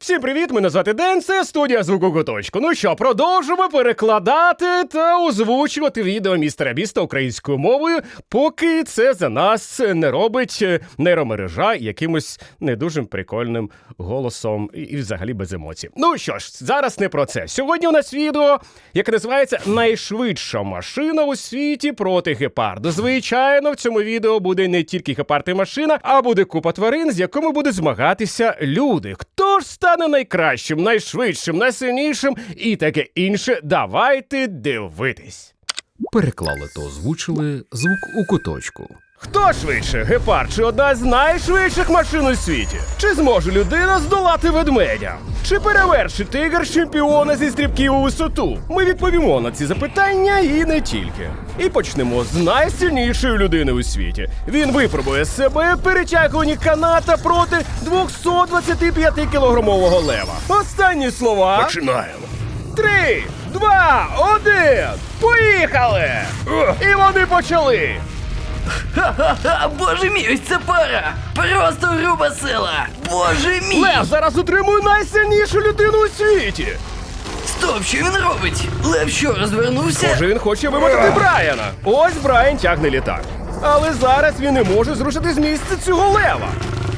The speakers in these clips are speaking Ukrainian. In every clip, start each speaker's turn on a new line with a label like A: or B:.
A: Всім привіт, мене звати Ден, це студія Звуку Куточку. Ну що, продовжимо перекладати та озвучувати відео містера Біста українською мовою, поки це за нас не робить нейромережа якимось не дуже прикольним голосом і взагалі без емоцій. Ну що ж, зараз не про це. Сьогодні у нас відео, яке називається «Найшвидша машина у світі проти гепарду». Звичайно, в цьому відео буде не тільки гепард і машина, а буде купа тварин, з якими будуть змагатися люди. Хто ж стане найкращим, найшвидшим, найсильнішим і таке інше? Давайте дивитись.
B: Переклали та озвучили Звук у Куточку.
A: Хто швидше, гепард чи одна з найшвидших машин у світі? Чи зможе людина здолати ведмедя? Чи перевершить тигр чемпіона зі стрибків у висоту? Ми відповімо на ці запитання і не тільки. І почнемо з найсильнішої людини у світі. Він випробує себе в перетягуванні каната проти 225-кілограмового лева. Останні слова.
B: Починаємо.
A: 3, 2, 1, поїхали! І вони почали!
C: Ха-ха-ха, боже мій, ось це пара! Просто груба сила! Боже мій!
A: Лев зараз утримує найсильнішу людину у світі!
C: Стоп, що він робить? Лев що, розвернувся?
A: Схоже, він хоче вимотати Брайана. Ось Брайан тягне літак. Але зараз він не може зрушити з місця цього лева.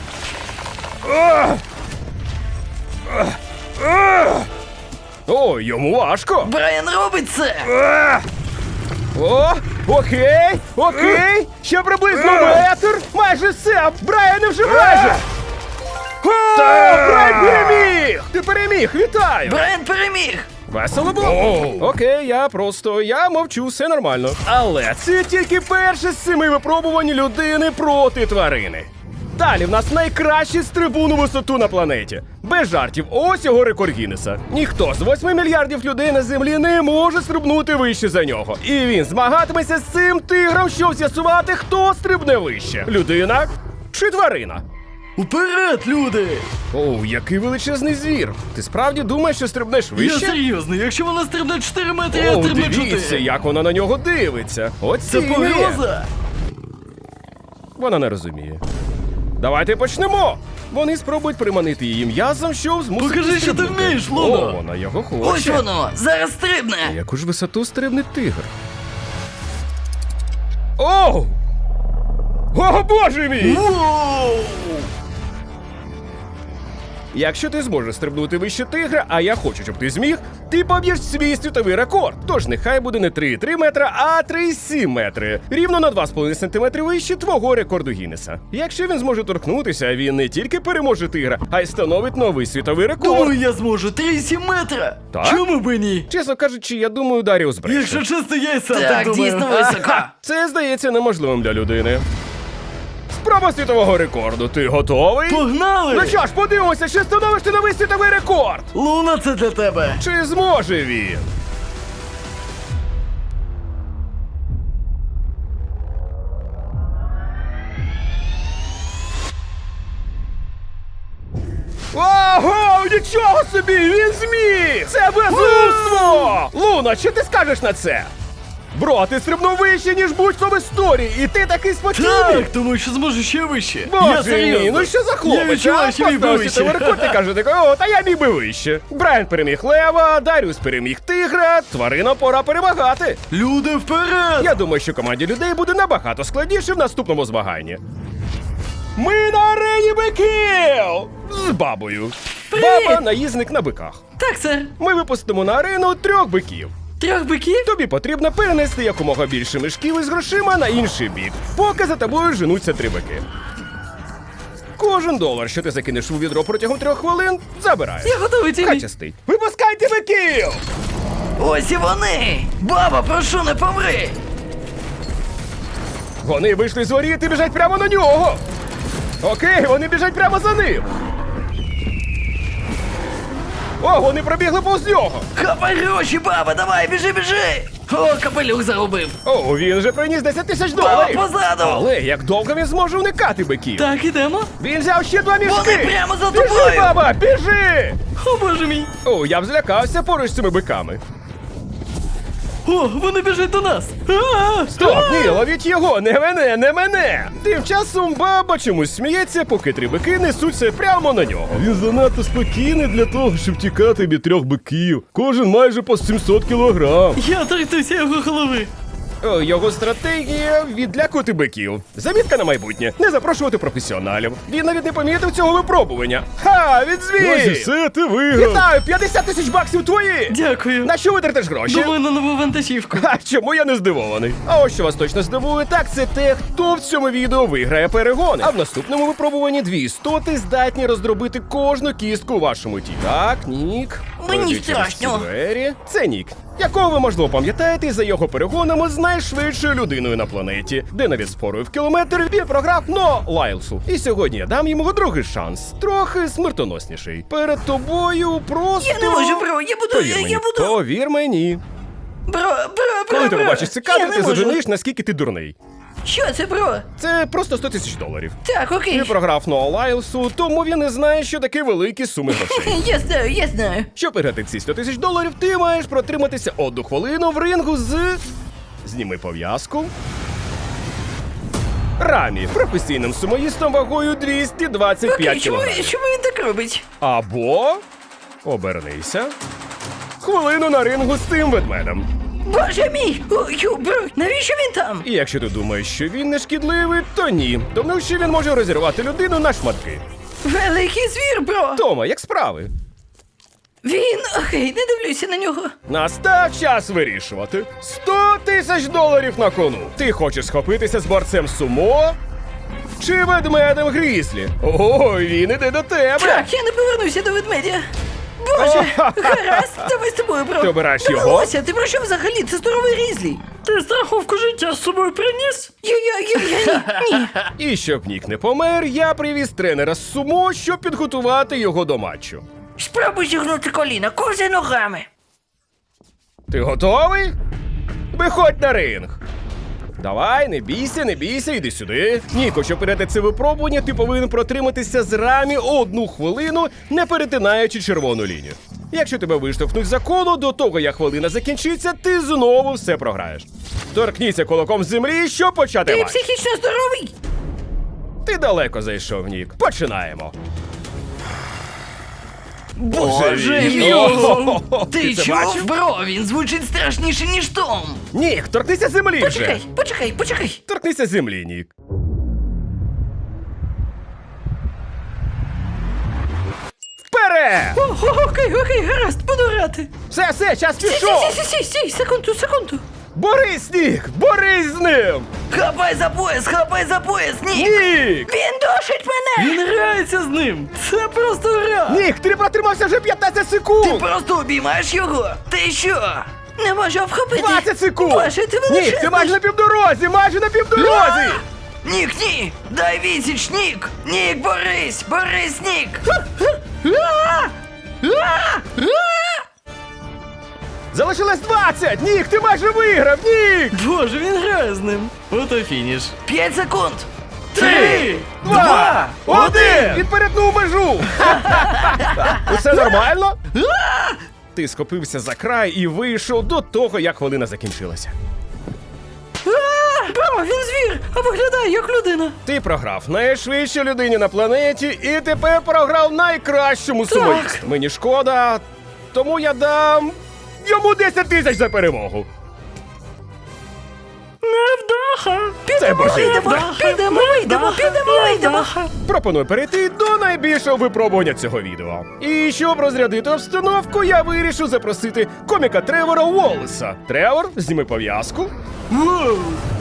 A: О, йому важко.
C: Брайан робить це!
A: О, окей. Ще приблизно метр. Майже все. Брайан вже майже. О, Брайан переміг! Ти переміг, вітаю!
C: Брайан переміг!
A: Весело було? Окей, я мовчу, все нормально. Але це тільки перше з 7 випробувань людини проти тварини. Далі в нас найкращий стрибун у висоту на планеті. Без жартів, ось його рекорд Гіннеса. Ніхто з 8 мільярдів людей на землі не може стрибнути вище за нього. І він змагатиметься з цим тигром, щоб з'ясувати, хто стрибне вище. Людина чи тварина?
C: Уперед, люди!
A: Оу, який величезний звір. Ти справді думаєш, що стрибнеш вище?
C: Я серйозно, якщо вона стрибне 4 метри, я
A: О,
C: стрибну
A: дивіться,
C: 4.
A: як вона на нього дивиться.
C: Це
A: Оцінює.
C: погроза!
A: Вона не розуміє. Давайте почнемо. Вони спробують приманити її м'язом, щоб змусити
C: Покажи, що ти
A: стрибнути.
C: вмієш, Луно.
A: О, вона його хоче.
C: Ось воно, зараз стрибне!
A: Яку ж висоту стрибне тигр? Оу! О, боже мій!
C: Воу!
A: Якщо ти зможеш стрибнути вище тигра, а я хочу, щоб ти зміг, ти поб'єш свій світовий рекорд. Тож нехай буде не 3,3 метра, а 3,7 метри. Рівно на 2,5 сантиметри вище твого рекорду Гіннеса. Якщо він зможе торкнутися, він не тільки переможе тигра, а й встановить новий світовий рекорд.
C: Думаю, я зможу 3,7 метра!
A: Так?
C: Чому б і ні?
A: Чесно кажучи, я думаю, Даріус бреше.
C: Якщо чесно, я й сам так
D: Так,
C: думаю.
D: дійсно високо.
A: Це здається неможливим для людини. Спроба світового рекорду. Ти готовий?
C: Погнали!
A: Ну що ж, подивимося, чи встановиш ти новий світовий рекорд?
C: Луна, це для тебе!
A: Чи зможе він? Ого, нічого собі, він зміг! Це безумство! Луна, що ти скажеш на це? Бро, ти стрибнув вище, ніж будь-хто в історії, і ти такий спокійний!
C: Так, тому що зможу ще вище. Я
A: Боже
C: серйозно.
A: мій, ну що за
C: Я
A: хлопець,
C: відчуваю, що мій би
A: Поставив
C: вище.
A: світовий рекорд і каже такий, о, та я міг би вище. Брайан переміг лева, Даріус переміг тигра, тварина пора перемагати.
C: Люди, вперед!
A: Я думаю, що команді людей буде набагато складніше в наступному змаганні. Ми на арені биків! З бабою. Баба – наїзник на биках.
D: Так, сер.
A: Ми випустимо на арену 3 биків.
D: 3 биків?
A: Тобі потрібно перенести якомога більше мішків із грошима на інший бік, поки за тобою женуться 3 бики. Кожен долар, що ти закинеш у відро протягом 3 хвилин, забираєш.
D: Я готовий, Тімі.
A: Хай щастить. Випускайте биків!
C: Ось і вони! Баба, прошу, не помри!
A: Вони вийшли з воріт і біжать прямо на нього. Окей, вони біжать прямо за ним. О, вони пробігли повз нього.
C: Хапай гроші, баба, давай, біжи, біжи!
D: О, капелюх загубив.
A: О, він вже приніс 10 тисяч
C: Баба,
A: доларів.
C: позаду!
A: Але як довго він зможе уникати биків?
D: Так, ідемо.
A: Він взяв ще 2 мішки.
C: Вони прямо за
A: Біжи,
C: тобою!
A: баба, біжи!
D: О, боже мій.
A: О, я б злякався поруч з цими биками.
D: О, вони біжать до нас!
A: Стоп, ні, ловіть його, не мене, не мене! Тим часом баба чомусь сміється, поки 3 бики несуться прямо на нього. Він занадто спокійний для того, щоб тікати від 3 биків. Кожен майже по 700 кілограм.
D: Я торкнуся його голови!
A: Його стратегія – відлякувати биків. Замітка на майбутнє – не запрошувати професіоналів. Він навіть не помітив цього випробування. Ха, відзвій!
B: Ось і все, ти виграв.
A: Вітаю, 50 тисяч баксів твої!
D: Дякую!
A: На що витратиш гроші?
D: Думаю на нову вантажівку.
A: А чому я не здивований? А ось що вас точно здивує, так це те, хто в цьому відео виграє перегони. А в наступному випробуванні 2 істоти здатні роздробити кожну кістку у вашому тілі. Так, Нік.
C: Мені
A: пройди через
C: страшно.
A: ці двері. Це Нік, якого ви, можливо, пам'ятаєте за його перегонами з найшвидшою людиною на планеті, де навіть спорою в кілометр він програв Но Лайлсу. І сьогодні я дам йому другий шанс, трохи смертоносніший. Перед тобою просто...
C: Я не можу, бро, я буду,
A: Повір мені,
C: я буду.
A: повір мені.
C: Бро.
A: Коли ти побачиш ці кадри,
C: Я
A: ти
C: не можу.
A: зрозумієш, наскільки ти дурний.
C: Що це, бро?
A: Це просто 100 тисяч доларів.
C: Так, окей.
A: Ти програв Ноа Лайлсу, тому він не знає, що таке великі суми грошей.
C: Я знаю.
A: Щоб виграти ці 100 тисяч доларів, ти маєш протриматися 1 хвилину в рингу з... Зніми пов'язку. Рамі, професійним сумоїстом вагою 225
C: Окей, чому
A: кг.
C: він так робить?
A: Або... Обернися. Хвилину на рингу з цим ведмедем.
C: Боже мій! Ой, бро, навіщо він там?
A: І якщо ти думаєш, що він не шкідливий, то ні. Тому що він може розірвати людину на шматки.
C: Великий звір, бро!
A: Тома, як справи?
C: Він, окей, не дивлюся на нього.
A: Настав час вирішувати. 100 тисяч доларів на кону. Ти хочеш схопитися з борцем сумо? Чи ведмедем Грізлі? Ой, він іде до тебе.
C: Так, я не повернуся до ведмедя. Боже, гаразд, давай з тобою, бро.
A: Ти обираєш його?
C: Довелося, ти про що взагалі? Це здоровий Різлі.
D: Ти страховку життя з собою приніс?
C: Ні.
A: І щоб Нік не помер, я привіз тренера з сумо, щоб підготувати його до матчу.
C: Спробуй зігнути коліна, кози ногами.
A: Ти готовий? Виходь на ринг. Давай, не бійся, іди сюди. Ніко, щоб перейти це випробування, ти повинен протриматися з Рамі 1 хвилину, не перетинаючи червону лінію. Якщо тебе виштовхнуть за коло, до того, як хвилина закінчиться, ти знову все програєш. Торкніться кулаком з землі, щоб почати
C: Ти
A: матч.
C: психічно здоровий?
A: Ти далеко зайшов, Нік. Починаємо.
C: Боже
A: мій.
C: мій!
A: О,
C: Ти
A: ти це
C: чув,
A: бачив?
C: бро? Він звучить страшніше, ніж Том.
A: Нік, торкнися землі вже.
C: Почекай.
A: Торкнися землі, Нік. Вперед!
C: Окей, гаразд, буду грати.
A: Все, час пішов!
C: Стій, секунду.
A: Борись, Нік! Борись з ним!
C: Хапай за пояс, Нік!
A: Нік!
C: Він душить мене!
D: Він грається з ним! Це просто гра!
A: Нік, ти протримався вже 15
C: Ти
A: секунд!
C: просто обіймаєш його? Ти що? Не можу вхопити!
A: 20 секунд!
C: Боже, ти величезний!
A: Нік, ти майже на півдорозі!
C: Нік, ні! Дай відсіч, Нік! Нік, борись, Нік!
A: Залишилось 20! Нік, ти майже виграв! Нік!
D: Боже, він грає з ним! Ото фініш.
C: 5 секунд!
A: 3, 2, 1! Він перетнув межу! Усе нормально? Ти схопився за край і вийшов до того, як хвилина закінчилася.
C: Бро, він звір, а виглядає як людина.
A: Ти програв найшвидшій людині на планеті і тепер програв найкращому сумоїсту. Мені шкода, тому я дам йому 10 тисяч за перемогу.
D: Невдаха!
A: Це божевільно.
C: Підемо.
A: Пропоную перейти до найбільшого випробування цього відео. І щоб розрядити обстановку, я вирішив запросити коміка Тревора Уоллеса. Тревор, зніми пов'язку.
D: Воу!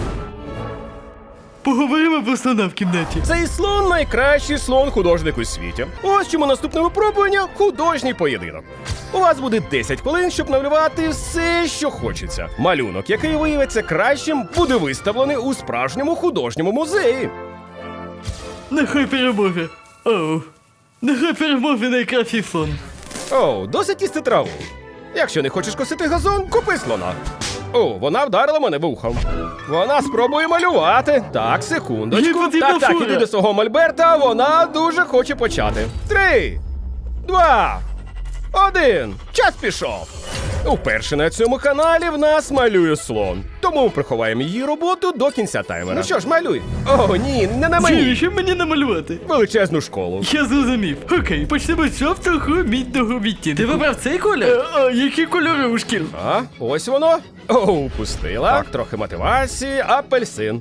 D: Поговоримо про слона в кімнаті.
A: Цей слон найкращий слон-художник у світі. Ось чому наступне випробування – художній поєдинок. У вас буде 10 хвилин, щоб намалювати все, що хочеться. Малюнок, який виявиться кращим, буде виставлений у справжньому художньому музеї.
D: Нехай перемоги. Оу. Нехай перемоги найкращий слон.
A: Оу, досить їсти траву. Якщо не хочеш косити газон, купи слона. О, вона вдарила мене вухом. Вона спробує малювати. Так,
D: Їй
A: секундочку.
D: потрібна
A: Так,
D: фура.
A: іди до свого мольберта, вона дуже хоче почати. 3, 2, 1. Час пішов. Уперше на цьому каналі в нас малює слон. Тому ми приховаємо її роботу до кінця таймера. Ну що ж, малюй. О, ні, не на мені.
D: Що мені намалювати?
A: Величезну школу.
D: Я зрозумів. Окей, почнемо з жовтого мідного відтінку. Ти вибрав цей колір? Які кольори у шкіл?
A: А, ось воно. О, упустила. Так, трохи мотивації, апельсин.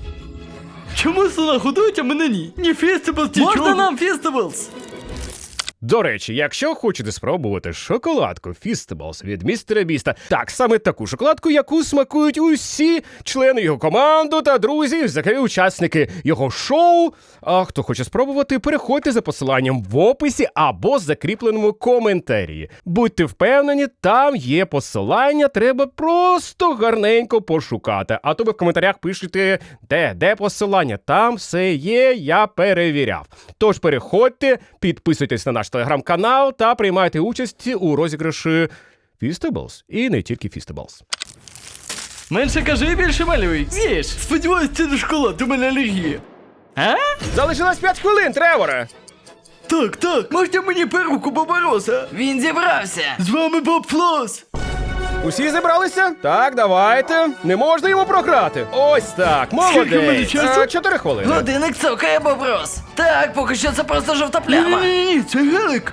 D: Чому слона годують, а мене ні? Ні фестивалс, нічого. Можна нам фестивалс?
A: До речі, якщо хочете спробувати шоколадку Feastables від містера Біста, так, саме таку шоколадку, яку смакують усі члени його команди та друзі, взагалі учасники його шоу. А хто хоче спробувати, переходьте за посиланням в описі або закріпленому коментарі. Будьте впевнені, там є посилання, треба просто гарненько пошукати. А то ви в коментарях пишете, де посилання, там все є, я перевіряв. Тож переходьте, підписуйтесь на наш телеграм-канал та приймайте участь у розіграші Feastables. І не тільки Feastables.
D: Менше кажи, більше малюй. З'їж. Сподіваюсь, це не шоколад, у мене алергія. А?
A: Залишилось 5 хвилин, Треворе!
D: Так, можете мені перуку Бобороса?
C: Він зібрався.
D: З вами Боб Флос.
A: Усі зібралися? Так, давайте. Не можна йому програти. Ось так,
D: Скільки в мене
A: молодець.
D: часу?
A: 4 хвилини.
C: Годинник цокає, Боброс. Так, поки що це просто жовта пляма.
D: Ні, це гелик.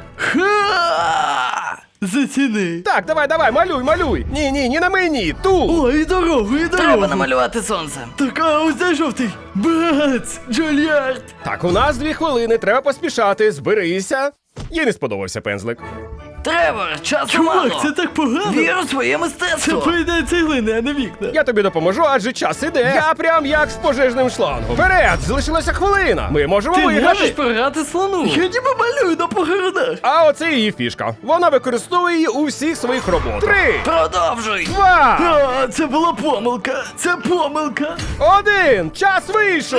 D: Ха! Заціни.
A: Так, давай, малюй. Ні на мені, тут.
D: О, і дорогу.
C: Треба намалювати сонце.
D: Так, а ось де жовтий. Бац, Джульярд.
A: Так, у нас 2 хвилини, треба поспішати, зберися. Їй не сподобався пензлик.
C: Тревор, часу
D: Чувак,
C: мало.
D: це так погано.
C: Вір у своє
D: Це
C: мистецтво.
D: поїдає цеглини, а не вікна.
A: Я тобі допоможу, адже час іде. Я прям як з пожежним шлангом. Вперед, залишилася хвилина. Ми можемо
D: Ти
A: виграти.
D: можеш програти слону. Я ніби малюю на погородах.
A: А оце її фішка. Вона використовує її у всіх своїх роботах. 3,
C: Продовжуй.
A: 2,
D: А, це була помилка. Це помилка.
A: 1. Час вийшов.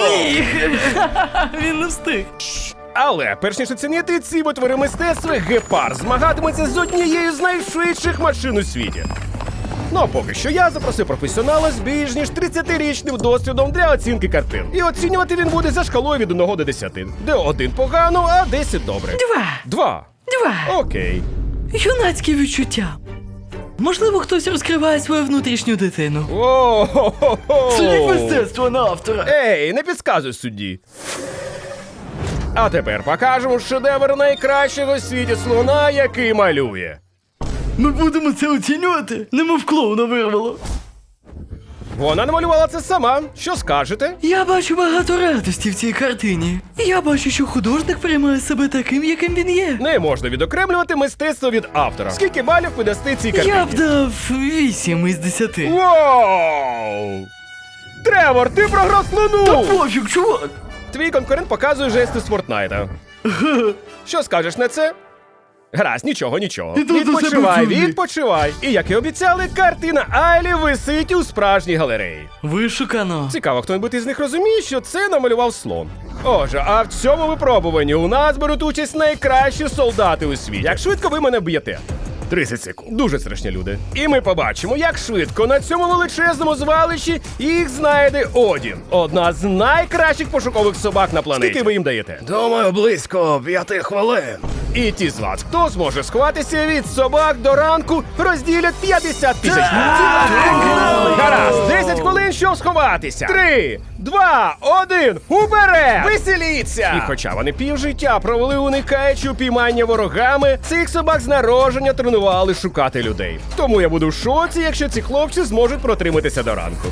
D: Він не встиг.
A: Але перш ніж оцінити ці витвори мистецтва, Гепард змагатиметься з однією з найшвидших машин у світі. Ну а поки що я запросив професіонала з більш ніж 30-річним досвідом для оцінки картин. І оцінювати він буде за шкалою від 1 до 10, де 1 погано, а 10 добре. 2.
C: 2.
A: Окей.
D: Юнацькі відчуття. Можливо, хтось розкриває свою внутрішню дитину.
A: О-хо-хо-хо.
D: Судіть мистецтво на автора.
A: Ей, не підказуй судді. А тепер покажемо шедевр найкращого в світі слона, який малює.
D: Ми будемо це оцінювати? Немов клоуна вирвало.
A: Вона намалювала це сама. Що скажете?
D: Я бачу багато радості в цій картині. Я бачу, що художник приймає себе таким, яким він є.
A: Не можна відокремлювати мистецтво від автора. Скільки балів ви дасте цій картині?
D: Я б дав 8 із 10.
A: Воу! Тревор, ти програв слону!
D: Пофіг, чувак!
A: Твій конкурент показує жести з Фортнайта. Що скажеш на це? Гаразд, нічого.
D: Іду до себе
A: Відпочивай,
D: в джунглі.
A: відпочивай. І як і обіцяли, картина Айлі висить у справжній галереї.
D: Вишукано.
A: Цікаво, хто-небудь із них розуміє, що це намалював слон. Отже, а в цьому випробуванні у нас беруть участь найкращі солдати у світі. Як швидко ви мене б'єте? 30 секунд. Дуже страшні люди. І ми побачимо, як швидко на цьому величезному звалищі їх знайде Одін. Одна з найкращих пошукових собак на планеті. Скільки ви їм даєте? Думаю, близько 5 хвилин. І ті з вас, хто зможе сховатися від собак до ранку, розділять 50 тисяч. Гаразд, 10 хвилин, щоб сховатися. 3, 2, 1, уперед! Веселіться! І хоча вони півжиття провели уникаючи упіймання ворогами, цих собак з народження тренували шукати людей. Тому я буду в шоці, якщо ці хлопці зможуть протриматися до ранку.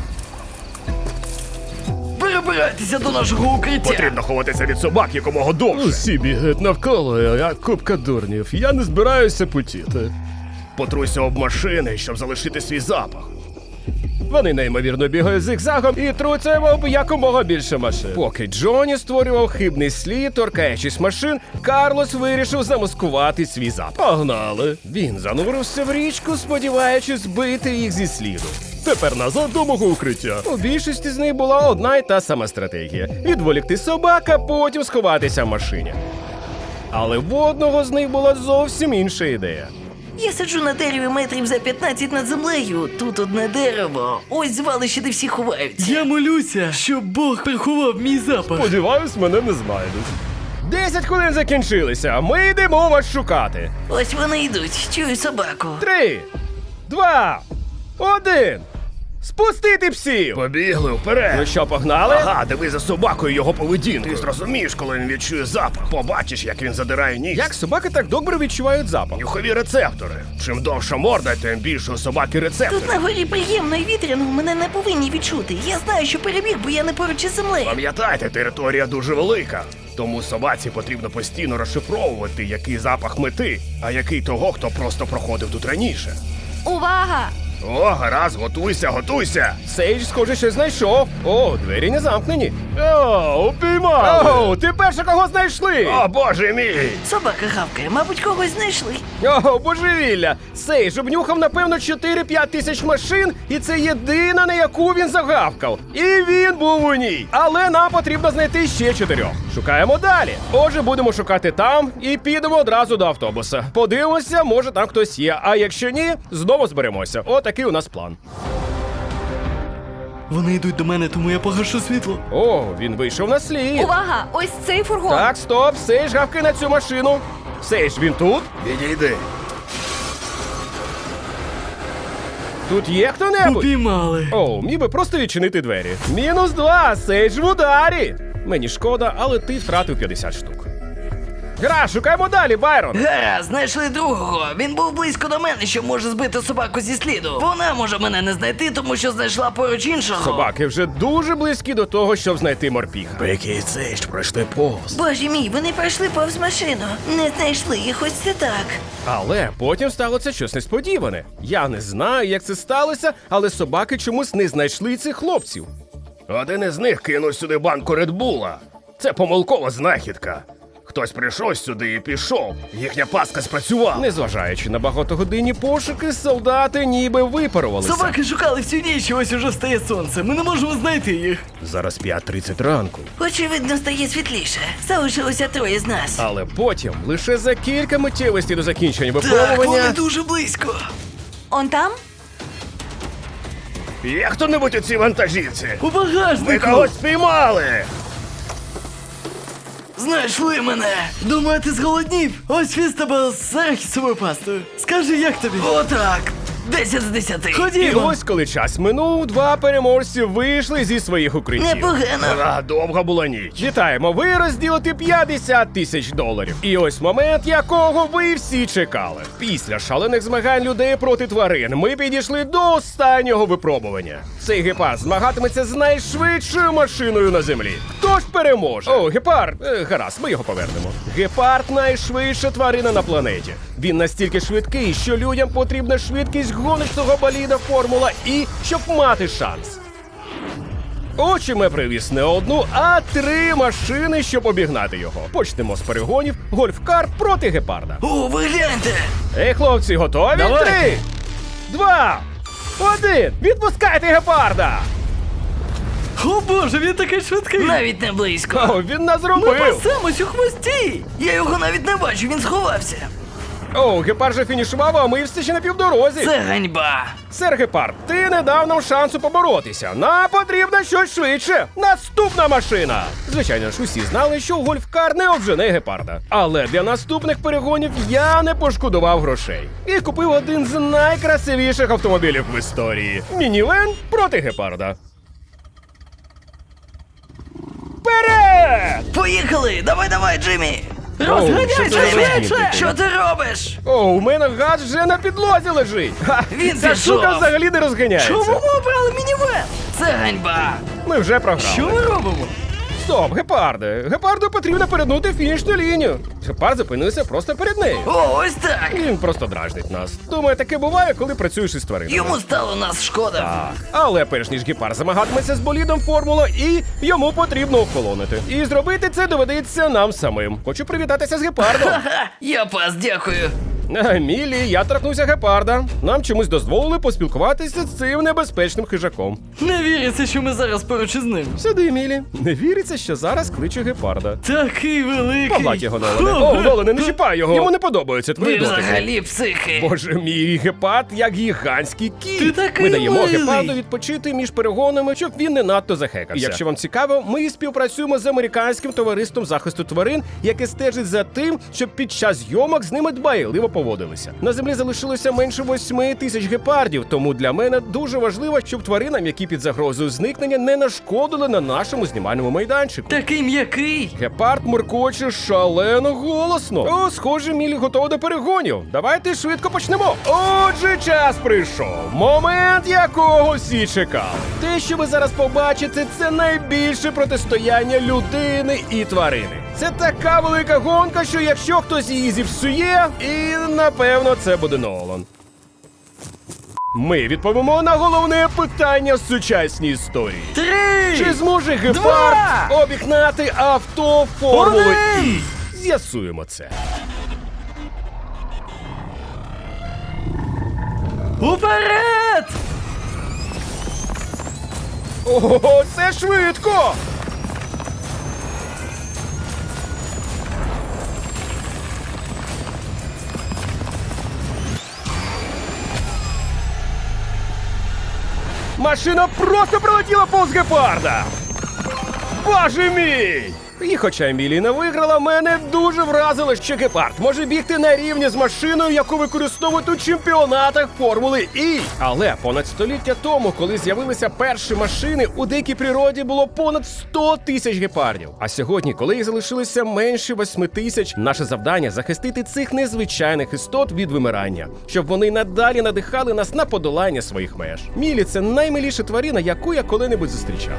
C: Перебирайтеся до нашого укриття.
A: ховатися від собак якомога довше.
B: Усі бігають навколо, а купка дурнів. Я не збираюся потіти.
A: Потруйся об машини, щоб залишити свій запах. Вони неймовірно бігають зигзагом і труться об якомога більше машин. Поки Джоні створював хибний слід, торкаючись машин, Карлос вирішив замаскувати свій запах. Погнали! Він занурився в річку, сподіваючись збити їх зі сліду.
B: Тепер назад до мого укриття.
A: У більшості з них була одна й та сама стратегія – відволікти собак, а потім сховатися в машині. Але в одного з них була зовсім інша ідея.
C: Я сиджу на дереві метрів за 15 над землею. Тут одне дерево. Ось звалище, де всі ховаються.
D: Я молюся, щоб Бог приховав мій запах.
A: Сподіваюсь, мене не знайдуть. 10 хвилин закінчилися, ми йдемо вас шукати.
C: Ось вони йдуть. Чую собаку.
A: 3, 2, 1. Спустити псів!
B: Побігли вперед.
A: Ну що, погнали?
B: Ага, диви за собакою його поведінку. Ти зрозумієш, коли він відчує запах. Побачиш, як він задирає ніс.
A: Як собаки так добре відчувають запах?
B: Нюхові рецептори. Чим довша морда, тим більше у собаки рецептори.
C: Тут на горі приємно і вітряно, мене не повинні відчути. Я знаю, що перебіг, бо я не поруч із землею.
B: Пам'ятайте, територія дуже велика. Тому собаці потрібно постійно розшифровувати, який запах мети, а який того, хто просто проходив тут раніше.
E: Увага!
B: О, гаразд, готуйся, готуйся.
A: Сейдж, схоже, щось знайшов. О, двері не замкнені.
B: О, упіймали.
A: Оу, ти перше кого знайшли?
B: О, боже мій.
C: Собака гавкає, мабуть, когось знайшли.
A: О, божевілля! Сейдж обнюхав, напевно, 4-5 тисяч машин, і це єдина, на яку він загавкав. І він був у ній. Але нам потрібно знайти ще 4. Шукаємо далі. Отже, будемо шукати там і підемо одразу до автобуса. Подивимося, може там хтось є, а якщо ні, знову зберемося. Отакий у нас план.
D: Вони йдуть до мене, тому я погашу світло.
A: О, він вийшов на слід.
E: Увага! Ось цей фургон!
A: Так, стоп, Сейдж, гавки на цю машину. Сейдж, він тут?
B: Відійди.
A: Тут є хто-небудь?
D: Упіймали.
A: О, міг би просто відчинити двері. -2, Сейдж в ударі. Мені шкода, але ти втратив 50 штук. Гра, шукаємо далі, Байрон.
C: Гаразд, знайшли другого. Він був близько до мене, що може збити собаку зі сліду. Вона може мене не знайти, тому що знайшла поруч іншого.
A: Собаки вже дуже близькі до того, щоб знайти морпіха.
B: Який цей ж пройшли повз.
C: Боже мій, вони пройшли повз машину. Не знайшли їх, ось це так.
A: Але потім сталося щось несподіване. Я не знаю, як це сталося, але собаки чомусь не знайшли цих хлопців.
B: Один із них кинув сюди банку Редбула. Це помилкова знахідка. Хтось прийшов сюди і пішов. Їхня пастка спрацювала.
A: Незважаючи на багатогодинні пошуки, солдати ніби випарувалися.
D: Собаки шукали всю ніч, і ось уже встає сонце. Ми не можемо знайти їх.
B: Зараз 5:30 ранку.
C: Очевидно, стає світліше. Залишилося 3 з нас.
A: Але потім, лише за кілька миттєвостей до закінчення
C: Так,
A: випробування...
C: вони дуже близько.
E: Он там?
B: Є хто-небудь у цій вантажівці?
D: У
B: Ми
D: багажнику!
B: когось спіймали!
C: Знайшли мене.
D: Думаю, ти зголоднів? Ось він з тебе з арахісовою пастою. Скажи, як тобі?
C: Отак. 10 з 10.
A: І
D: Ходімо!
A: ось коли час минув, 2 переможці вийшли зі своїх укриттів.
C: Непогано.
B: А, довга була ніч.
A: Вітаємо, ви розділите 50 тисяч доларів. І ось момент, якого ви всі чекали. Після шалених змагань людей проти тварин ми підійшли до останнього випробування. Цей гепард змагатиметься з найшвидшою машиною на землі. Хто ж переможе? О, гепард. Гаразд, ми його повернемо. Гепард найшвидша тварина на планеті. Він настільки швидкий, що людям потрібна швидкість гоночного боліда Формула І, щоб мати шанс. Отже, ми привіз не одну, а 3 машини, щоб обігнати його. Почнемо з перегонів гольф-кар проти гепарда.
C: О, ви гляньте.
A: Ей, хлопці, готові?
D: Давай.
A: 3, 2, 1, відпускайте гепарда!
D: О боже, він такий швидкий!
C: Навіть не близько.
A: О, він нас
D: Ми
A: зробив!
D: пасемось у хвості!
C: Я його навіть не бачу, він сховався.
A: О, гепард же фінішував, а ми все ще на півдорозі.
C: Це ганьба.
A: Сер Гепард, ти не дав нам шансу поборотися. Нам потрібно щось швидше. Наступна машина. Звичайно ж, усі знали, що гольф-кар не обжене гепарда. Але для наступних перегонів я не пошкодував грошей. І купив один з найкрасивіших автомобілів в історії. Мінівен проти гепарда. Вперед!
C: Поїхали! Давай, Джиммі!
D: Розганяйся
A: що це за
D: швидше!
A: розгін?
C: Що ти робиш?
A: О, у мене газ вже на підлозі лежить. Ха,
C: Він
A: ця
C: пішов.
A: штука взагалі не розганяється.
D: Чому ми обрали мінівен?
C: Це ганьба.
A: Ми вже програли.
D: Що ми робимо?
A: Стоп, гепарде. Гепарду потрібно перетнути фінішну лінію. Гепард зупинився просто перед нею.
C: О, ось так.
A: Він просто дражнить нас. Думаю, таке буває, коли працюєш із тваринами.
C: Йому стало нас шкода.
A: Так. Але перш ніж гепард замагатиметься з болідом Формула І, йому потрібно охолонити. І зробити це доведеться нам самим. Хочу привітатися з гепардом.
C: Ха, я пас, дякую.
A: Мілі, я торкнувся гепарда. Нам чомусь дозволили поспілкуватися з цим небезпечним хижаком.
D: Не віриться, що ми зараз поруч із ним.
A: Сюди, Мілі. Не віриться, що зараз кличе гепарда.
D: Такий великий.
A: Погладь його, Нолане. О, Нолане, не чіпай його. Йому не подобаються твої
C: Ви
A: дотики.
C: взагалі психи.
A: Боже мій, гепард як гігантський кіт.
D: Ти такий
A: Ми даємо
D: милий.
A: гепарду відпочити між перегонами, щоб він не надто захекався. І якщо вам цікаво, ми співпрацюємо з американським товариством захисту тварин, яке стежить за тим, щоб під час зйомок з ними дбайливо поводитися. поводилися. На землі залишилося менше 8 тисяч гепардів, тому для мене дуже важливо, щоб тваринам, які під загрозою зникнення, не нашкодили на нашому знімальному майданчику.
D: Такий м'який.
A: Гепард муркоче шалено голосно. О, схоже, Мілі готова до перегонів. Давайте швидко почнемо. Отже, час прийшов. Момент, якого всі чекали. Те, що ви зараз побачите, це найбільше протистояння людини і тварини. Це така велика гонка, що якщо хтось її зіпсує, і напевно це буде Нолан. Ми відповімо на головне питання в сучасній історії.
D: 3!
A: Чи зможе гепард обігнати авто Формули І? З'ясуємо це.
D: Уперед!
A: Ого, це швидко! Машина просто пролетіла повз гепарда! Боже мій! І хоча Еміліна виграла, мене дуже вразило, що гепард може бігти на рівні з машиною, яку використовують у чемпіонатах Формули І. Але понад століття тому, коли з'явилися перші машини, у дикій природі було понад 100 тисяч гепардів. А сьогодні, коли їх залишилося менше 8 тисяч, наше завдання – захистити цих незвичайних істот від вимирання, щоб вони надалі надихали нас на подолання своїх меж. Мілі – це наймиліша тварина, яку я коли-небудь зустрічав.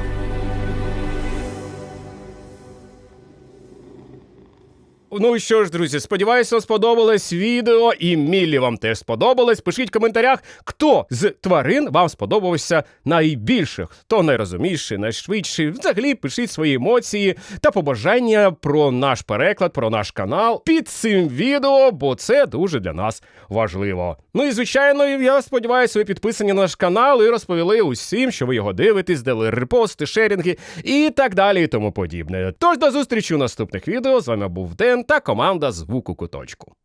A: Ну що ж, друзі, сподіваюся, вам сподобалось відео, і Міллі вам теж сподобалось. Пишіть в коментарях, хто з тварин вам сподобався найбільше, хто найрозумніший, найшвидший. Взагалі, пишіть свої емоції та побажання про наш переклад, про наш канал під цим відео, бо це дуже для нас важливо. Ну і, звичайно, я сподіваюся, ви підписані на наш канал і розповіли усім, що ви його дивитесь, дали репости, шерінги і так далі і тому подібне. Тож до зустрічі у наступних відео. З вами був Ден та команда Звуку Куточку.